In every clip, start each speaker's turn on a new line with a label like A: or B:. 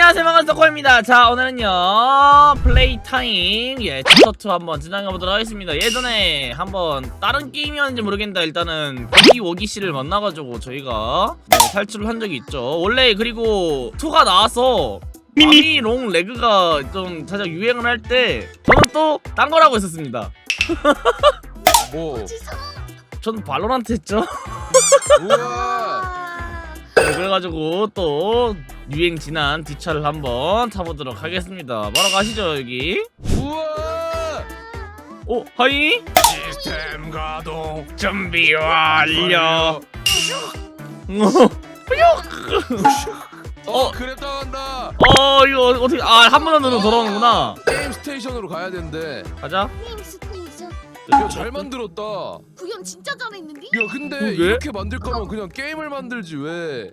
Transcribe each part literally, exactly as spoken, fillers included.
A: 안녕하세요, 반갑습니다. 자, 오늘은요 플레이 타임 예 챕터 투 한번 진행해보도록 하겠습니다. 예전에 한번 다른 게임이었는지 모르겠는데 일단은 고기 워기 씨를 만나가지고 저희가 네, 탈출을 한 적이 있죠. 원래 그리고 투가 나와서 마미롱 레그가 좀 살짝 유행을 할 때 저는 또 딴 거라고 했었습니다.
B: 뭐?
A: 전 발로란트 했죠.
B: 우와.
A: 네, 그래가지고 또 유행 지난 뒷차를 한번 타보도록 하겠습니다. 바로 가시죠. 여기.
B: 우와.
A: 오, 하이.
B: 시스템 가동.
A: 준비 완료.
B: 어, 그랩 당한다.
A: 어, 이거 어떻게? 아, 한 번 으로 돌아오는구나.
B: 게임 스테이션으로 가야 되는데.
A: 가자.
C: 게임 스테이션
B: 야, 잘 만들었다. 야,
C: 구현 진짜 잘했는데?
B: 근데
A: 그게?
B: 이렇게 만들 거면 그냥 게임을 만들지 왜?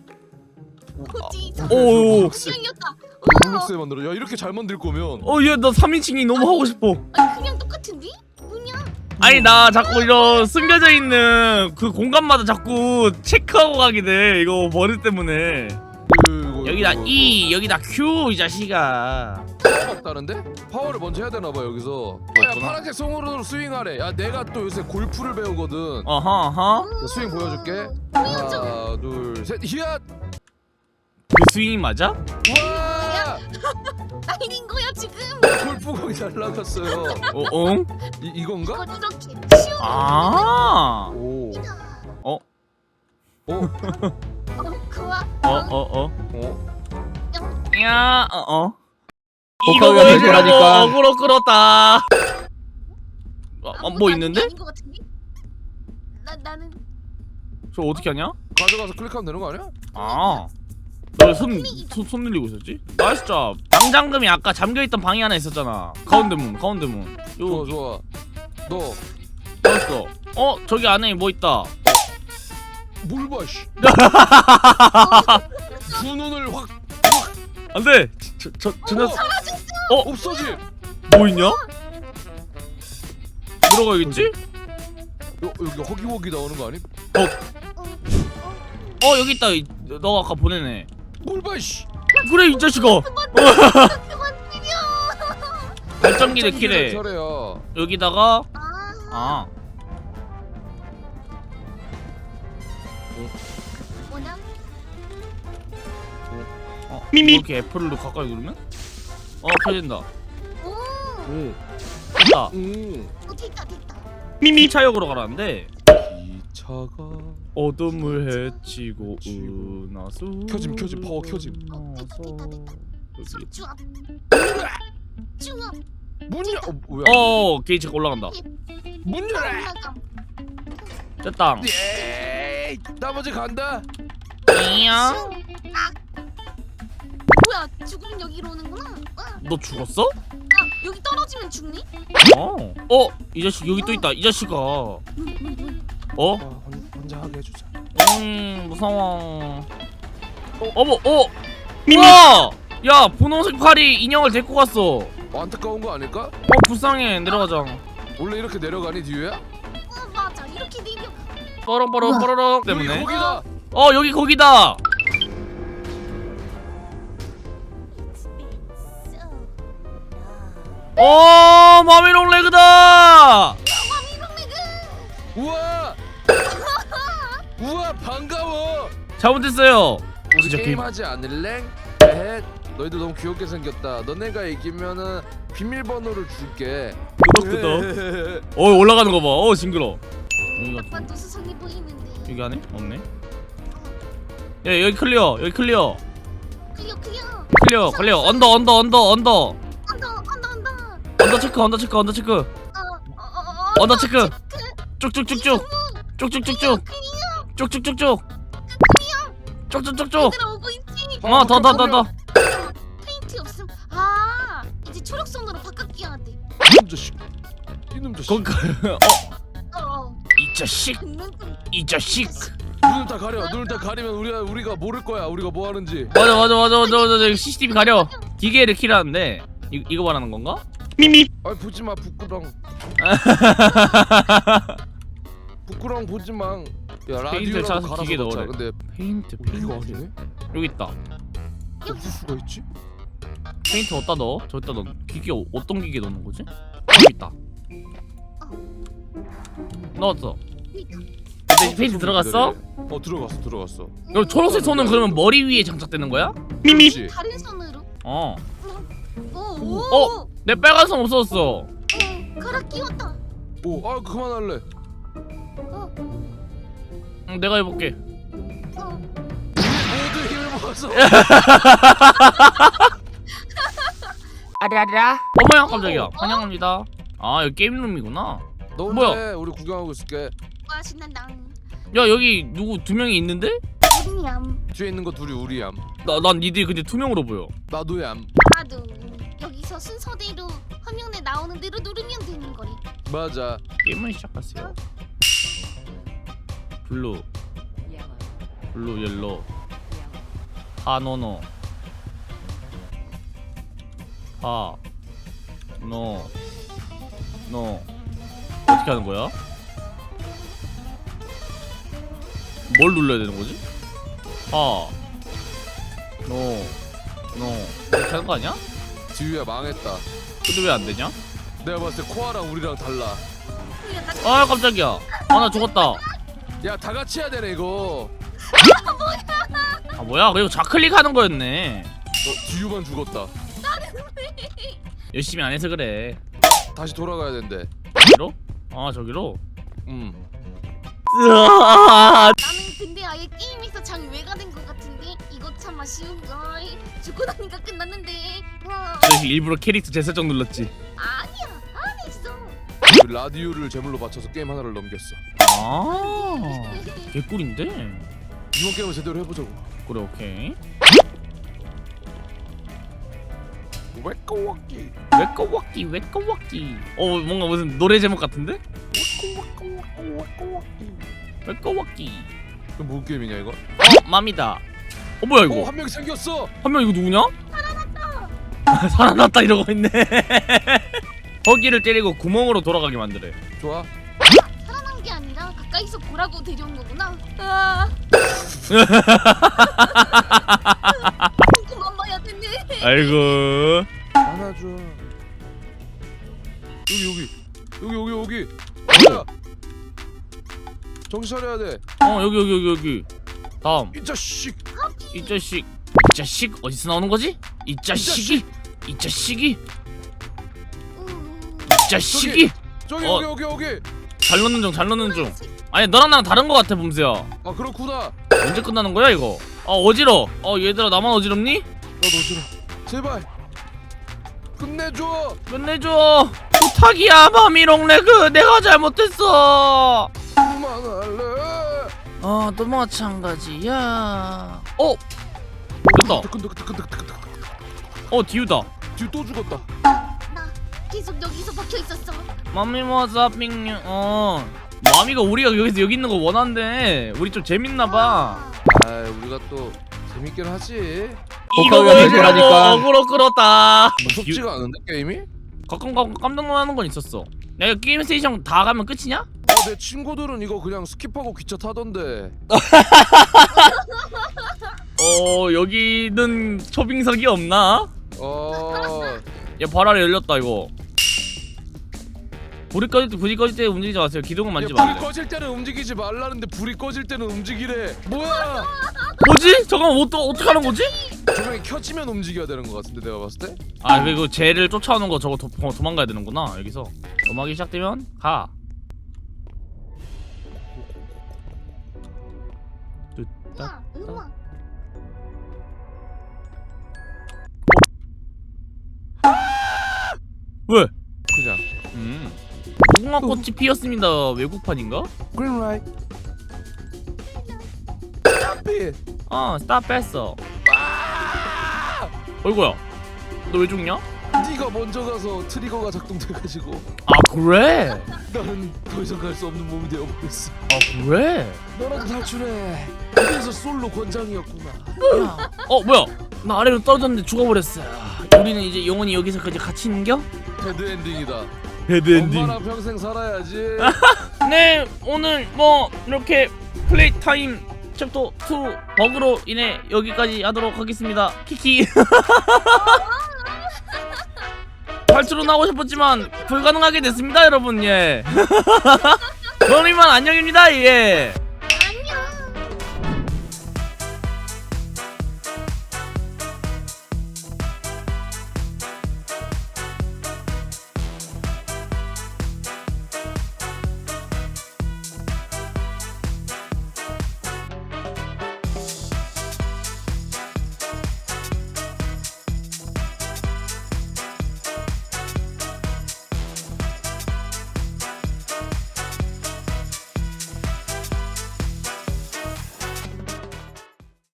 C: 그치
A: 오.
C: 구현이었다.
B: 블록스에 만들어. 야, 이렇게 잘 만들 거면.
A: 어, 얘 나 삼인칭이 너무 하고 싶어.
C: 아니 그냥 똑같은데? 뭐냐?
A: 아니 나 자꾸 이런 숨겨져 있는 그 공간마다 자꾸 체크하고 가게 돼. 이거 버릇 때문에.
B: 이거,
A: 여기다
B: 이거,
A: E, 여기다 Q 이 자식아.
B: 파워가 없다는데? 파워를 먼저 해야 되나 봐 여기서. 야,
A: 없구나.
B: 파란색 송으로 스윙하래. 야, 내가 또 요새 골프를 배우거든.
A: 어허 어허.
B: 자, 스윙 보여줄게.
C: 보여줘.
B: 하나, 둘, 셋. 히앗.
A: 그 스윙이 맞아?
B: 와!
C: 아닌 거야 지금.
B: 골프공이 잘 나갔어요.
A: 어, 응?
B: 이 이건가?
C: 이걸 이렇게 쉬워.
A: 아.
B: 오.
A: 어?
B: 어?
C: 어 그와.
A: 어, 어, 어.
B: 어?
A: 야, 어, 어.
D: 복합이
A: 이거
D: 될
A: 보여주려고
D: 거라니까.
A: 어그로 끌었다. 어, 어,
C: 아무것도
A: 뭐
C: 아닌
A: 있는데?
C: 게 아닌 것 같은데? 나 나는
A: 저 어떻게 하냐?
B: 가져가서 클릭하면 되는 거 아니야?
A: 아. 너손 손, 손 늘리고 있었지? 나이스 잡. 당장금이 아까 잠겨있던 방이 하나 있었잖아. 가운데 문, 가운데 문.
B: 좋아
A: 요,
B: 좋아. 너
A: 넣었어. 어, 저기 안에 뭐 있다.
B: 뭘 봐, 씨. 두 눈을 확
A: 안 돼! 저, 저, 저, 저,
B: 어,
C: 사라졌어.
B: 없어짐.
A: 뭐 있냐? 들어가야겠지?
B: 여, 여기 허기허기 나오는 거 아니?
A: 어, 여기 있다. 이- 너가 아까 보내네.
B: 뭘 봐, 씨.
A: 그래, 이 자식아!
C: 그만 때려.
A: 발전기를 키래.
B: 잘해야.
A: 여기다가,
C: 아.
A: 아.
C: 뭐냐?
A: 어, 미미. 이렇게 애플로 가까이 누르면? 어, 켜진다.
C: 오.
B: 응.
A: 됐다.
B: 응.
C: 어 됐다 됐다.
A: 미미 차역으로 가라는데.
B: 기차가
A: 어둠을 헤치고 은하수.
B: 켜짐, 켜짐, 파워 켜짐.
C: 어 됐다 됐다 됐다.
A: 여기.
C: 쭈압. 쭈압.
B: 문 열. 어, 뭐야?
A: 어, 게이지가 올라간다.
B: 문 열어.
C: 올라가.
A: 됐다.
B: 예. 나머지 간다.
A: 이야.
C: 아. 뭐야 죽으면 여기로 오는구나. 아,
A: 너 죽었어?
C: 아 여기 떨어지면 죽니?
A: 어. 어, 이 자식 여기 또 있다. 이 자식아. 어?
B: 아, 혼- 혼자 하게 해주자.
A: 음, 무서워. 어, 어머, 어. 우와! 야, 분홍색 팔이 인형을 데리고 갔어. 어,
B: 어, 안타까운 거 아닐까?
A: 불쌍해. 내려가자.
B: 원래 이렇게 내려가니 뒤에야?
C: 어 맞아 이렇게 내려.
A: 뻐렁뻐렁 뻐렁
B: 여기
A: 때문에.
B: 거기다.
A: 어, 여기 거기다. 어, 마미롱 레그다.
B: 우와. 우와, 반가워.
A: 잘못했어요.
B: 우리
A: 진짜
B: 게임
A: 그-
B: 하지 않을래? 에헷, 너희들 너무 귀엽게 생겼다. 너네가 이기면은 비밀번호를 줄게.
A: 끄덕끄덕. 어, 올라가는 거 봐. 어, 징그러. 여기가
C: 딱 봐도 수상해 보이는데.
A: 여기 안에 없네. 야, 여기 클리어. 여기 클리어.
C: 클리어 클리어.
A: 클리어. 클리어. 언더 언더 언더 언더.
C: 언더 언더 언더.
A: 언더 체크. 언더 체크. 언더 체크.
C: 어어어.
A: 언더 체크. 쭉쭉쭉쭉. 쭉쭉쭉쭉. 쭉쭉쭉쭉. 쭉쭉쭉쭉.
C: 얘들아 오고 있지.
A: 어, 더 더 더 더.
C: 페인트 없음. 아 이제 초록선으로 바꿔야 돼.
B: 이놈 자식. 이놈 자식.
A: 거기 어,
C: 어.
A: 이 자식.
C: 눈
A: 이 자식.
B: 눈을 다 가려. 눈을 다 가리면 우리가 우리가 모를 거야. 우리가 뭐 하는지.
A: 맞아 맞아 맞아 맞아 맞아. 씨씨티비 가려. 기계를 키라는데 이 이거 말하는 건가? 미미.
B: 아이, 보지 마, 부끄렁. 부끄러움 보지 마. 야,
A: 페인트를
B: 라디오라도
A: 찾아서
B: 갈아서
A: 기계
B: 넣자.
A: 넣으래.
B: 근데
A: 페인트
B: 어, 이거
A: 페인트.
B: 아니네?
A: 여기 있다.
B: 없을 수가 있지?
A: 페인트 어디다 넣어? 저기다 넣어. 기계 어- 어떤 기계 넣는 거지? 어, 여기 있다. 넣었어. 근데 페인트 들어갔어?
B: 어 들어갔어 들어갔어.
A: 그럼 초록색 손은 그러면 머리 위에 장착되는 거야?
B: 미미.
C: 다른 손으로.
A: 어.
C: 오, 오.
A: 어? 내 빨간 손 없어졌어.
C: 어, 갈아 끼웠다.
B: 오아 그만할래.
C: 어,
A: 응, 내가 해볼게.
C: 어.
B: 모두 힘을 모아서.
A: 아라라. 어머야 깜짝이야. 환영합니다. 아 여기 게임룸이구나.
B: 너
A: 뭐야?
B: 혼자 해. 우리 구경하고 있을게.
C: 와 신난다.
A: 야 여기 누구 두 명이 있는데?
C: 냠.
B: 뒤에 있는 거 둘이 우리얌.
A: 나 난 니들이 근데 투명으로 보여.
B: 나도얌.
C: 나도 여기서 순서대로 화면에 나오는 대로 누르면 되는 거래.
B: 맞아.
A: 게임을 시작하세요. 블루, 블루, 옐로, 하노노, 하, 노, 노. 어떻게 하는 거야? 뭘 눌러야 되는 거지? 하, 노, 노. 이렇게 하는 거 아니야?
B: 지우야 망했다.
A: 근데 왜 안 되냐?
B: 내가 봤을 때 코아랑 우리랑 달라.
A: 아 깜짝이야. 아 나 죽었다.
B: 야 다 같이 해야 되네 이거.
A: 아 뭐야? 그리고 좌클릭하는 거였네.
B: 너 지우만 죽었다.
A: 열심히 안 해서 그래.
B: 다시 돌아가야 된대.
A: 저기로? 아 저기로?
B: 음.
A: 으아!
C: 나는 근데 아예 게임에서 장외가 된 것 같은데 이거 참 아쉬운 걸. 죽고 나니까 끝났는데. 와.
A: 저 일부러 캐릭터 재설정 눌렀지.
C: 아니야 안 했어.
B: 우리 라디오를 제물로 바쳐서 게임 하나를 넘겼어.
A: 아 개꿀인데?
B: 이번 게임을 제대로 해보자고.
A: 그래 오케이.
B: 왜꼬워기.
A: 왜꺼워끼 왜꺼워끼. 어 뭔가 무슨 노래 제목 같은데? 왜꺼워끼.
B: 이거 뭔 게임이냐 이거?
A: 어 맘이다. 어 뭐야 이거?
B: 어한 명 생겼어.
A: 한 명 이거 누구냐? 살아났다. 살아났다 이러고 있네. 허기를 때리고 구멍으로 돌아가게 만드래.
B: 좋아.
C: 살아난 게 아니라 가까이서 보라고 데려온 거구나. 아. 그만 봐야 되네.
A: 아이고.
B: 안아줘. 여기 여기 여기 여기 여기. 뭐야? 정신 차려야 돼.
A: 어 여기 여기 여기 여기. 다음.
B: 이 자식.
A: 이 자식. 이 자식 어디서 나오는 거지? 이 자식이. 이 자식이.
C: 음.
A: 이 자식이.
B: 저기
A: 어.
B: 여기 여기 여기.
A: 잘 넣는 중, 잘 넣는 중. 아니 너랑 나랑 다른 거 같아 봄새야.
B: 아 그렇구나.
A: 언제 끝나는 거야 이거? 아 어지러. 어 얘들아 나만 어지럽니?
B: 나도 싫어. 제발. 끝내줘.
A: 끝내줘. 부탁이야 마미롱레그 내가 잘못했어.
B: 그만할래.
A: 어 또 마찬가지야. 어 됐다.
B: 뜨끈뜨끈뜨끈뜨끈뜨끈.
A: 어 디우다.
B: 뒤 또 죽었다.
C: 나 계속 여기서 박혀 있었어.
A: 마미 와사핑 어 마미가 우리가 여기서 여기 있는 거 원한대. 우리 좀 재밌나봐.
B: 아 우리가 또 재밌긴 하지.
A: 이거 보여주려고 어그로 끌었다.
B: 무섭지가 않은데 게임이?
A: 가끔 가끔 깜짝 놀라는 건 있었어. 내가 게임 스테이션 다 가면 끝이냐?
B: 어, 내 친구들은 이거 그냥 스킵하고 기차 타던데.
A: 어 여기는 초빙석이 없나?
B: 어.
A: 야 바라리 열렸다 이거. 불이 꺼질 때 불이 꺼질 때 움직이지 마세요. 기둥은
B: 야,
A: 만지지
B: 불이
A: 마세요.
B: 꺼질 때는 움직이지 말라는데 불이 꺼질 때는 움직이래. 뭐야?
A: 뭐지? 잠깐만 뭐, 또 어떻게 하는 거지?
B: 조명이 켜지면 움직여야 되는 것 같은데 내가 봤을 때.
A: 아 그리고 쟤를 쫓아오는 거 저거 도, 도, 도망가야 되는구나 여기서. 음악이 시작되면 가.
C: 우와, 우와.
A: 왜?
B: 그냥.
A: 음. 무궁화 꽃이 피었습니다. 외국판인가?
B: Green light. Stop it.
A: 어 스탑 뺐어.
B: 아!
A: 어이구야. 너 왜 죽냐?
B: 네가 먼저 가서 트리거가 작동돼가지고
A: 아 그래?
B: 나는 더 이상 갈 수 없는 몸이 되어버렸어.
A: 아 그래?
B: 너라도 탈출해. 그래서 솔로 권장이었구나.
A: 야. 어 뭐야? 나 아래로 떨어졌는데 죽어버렸어. 우리는 이제 영원히 여기서까지 같이 있는겨?
B: 헤드 엔딩이다.
A: 헤드
B: 엄마랑 평생 살아야지.
A: 네 오늘 뭐 이렇게 플레이 타임 챕터 투 버그로 인해 여기까지 하도록 하겠습니다. 키키. 팔 주로 나오고 싶었지만 불가능하게 됐습니다, 여러분. 예. 그럼 이만 안녕입니다. 예.